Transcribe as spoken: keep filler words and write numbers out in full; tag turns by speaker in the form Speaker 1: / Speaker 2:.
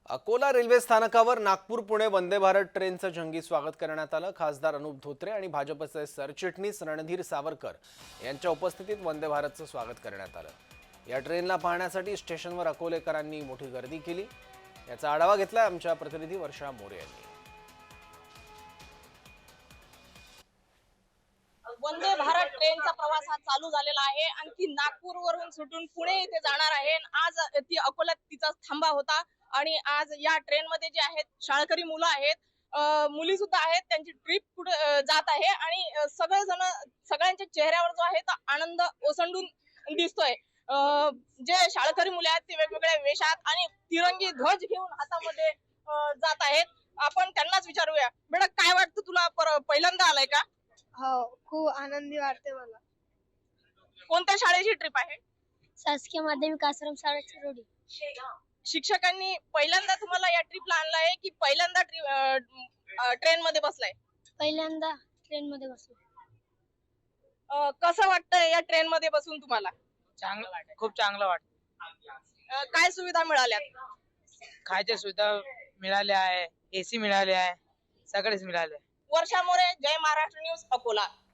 Speaker 1: Akola railway स्थानकावर नागपूर पुणे वंदे भारत ट्रेनचं जंगी स्वागत करण्यात आलं। खासदार अनुप धोत्रे आणि भाजपचे सरचिटणीस रणधीर सावरकर यांच्या उपस्थितीत वंदे भारतचं स्वागत करण्यात आलं। या ट्रेनला पाहण्यासाठी स्टेशनवर अकोलेकरांनी मोठी गर्दी केली। याचा आढावा घेतला आमच्या प्रतिनिधी वर्षा मोरे यांनी।
Speaker 2: वंदे भारत ट्रेनचा प्रवास हा चालू झालेला आहे। आणखी नागपूरवरून सुटून पुणे येथे जाणार आहे। आज ती अकोल्यात तिचा थांबा होता आणि आज या ट्रेन मध्ये जे आहेत शाळकरी मुलं आहेत, मुली सुद्धा आहेत, त्यांची ट्रिप पुढे जात आहे आणि सगळेजण सगळ्यांच्या चेहऱ्यावर जो आहे तो आनंद ओसंडून दिसतोय। जे शाळकरी मुले आहेत ते वेगवेगळ्या वेशात आणि तिरंगी ध्वज घेऊन हातामध्ये जात आहेत। आपण त्यांनाच विचारूया, बेटा काय वाटतं तुला, पहिल्यांदा आलाय का?
Speaker 3: हो, खूप आनंदी वाटते मला।
Speaker 2: कोणत्या शाळेची ट्रिप आहे?
Speaker 3: शासकीय माध्यमिक आश्रम शाळा चिरोडी।
Speaker 2: शिक्षकांनी पहिल्यांदा तुम्हाला या ट्रिपला आणलाय की पहिल्यांदा ट्रेन मध्ये बसलाय?
Speaker 3: पहिल्यांदा ट्रेन मध्ये बसलो।
Speaker 2: कसं वाटतंय या ट्रेन मध्ये बसून तुम्हाला?
Speaker 4: चांगलं, खूप चांगलं वाटतं।
Speaker 2: काय सुविधा मिळाल्या?
Speaker 4: खायच्या सुविधा मिळाल्या आहे, एसी मिळाले आहे, सगळेच मिळाले।
Speaker 2: वर्षा मोरे, जय महाराष्ट्र न्यूज, अकोला।